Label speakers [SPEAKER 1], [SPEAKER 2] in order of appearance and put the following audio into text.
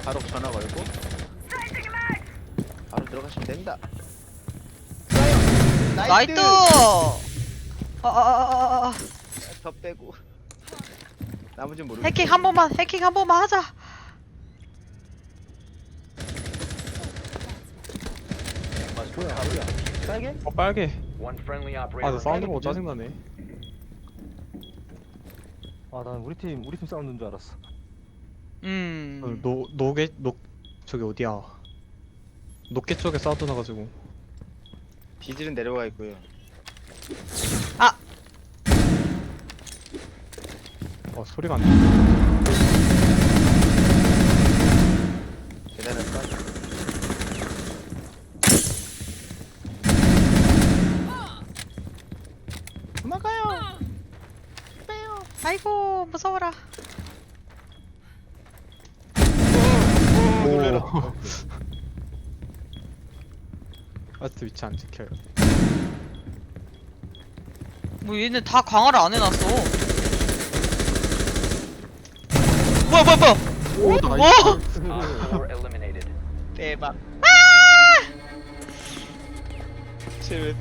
[SPEAKER 1] 바로 전화 걸고 바로 들어가시면 됩니다.
[SPEAKER 2] 나이트!
[SPEAKER 1] 더 빼고 나머지는 모르겠어.
[SPEAKER 2] 해킹 한 번만 하자.
[SPEAKER 3] 뭐야 빨개?
[SPEAKER 4] 빨개.
[SPEAKER 5] One friendly
[SPEAKER 4] 아,
[SPEAKER 5] operator.
[SPEAKER 4] 나 사운드 보고 짜증나네.
[SPEAKER 3] 아난 우리 팀 사운드인 줄 알았어.
[SPEAKER 4] 저기 어디야? 녹개 쪽에 사운드 나가지고.
[SPEAKER 1] 비질은 내려가 있고요.
[SPEAKER 4] 소리가 안 나.
[SPEAKER 1] 계단을 빠져. 도망가요.
[SPEAKER 2] 아이고 무서워라.
[SPEAKER 1] 놀래라.
[SPEAKER 4] 아직도 위치 안 지켜요.
[SPEAKER 2] 뭐 얘는 다 강화를 안 해놨어. 뭐야.
[SPEAKER 4] 오,
[SPEAKER 2] 오!
[SPEAKER 4] 나이스.
[SPEAKER 5] Op 4 eliminated.
[SPEAKER 1] 대박. 쟤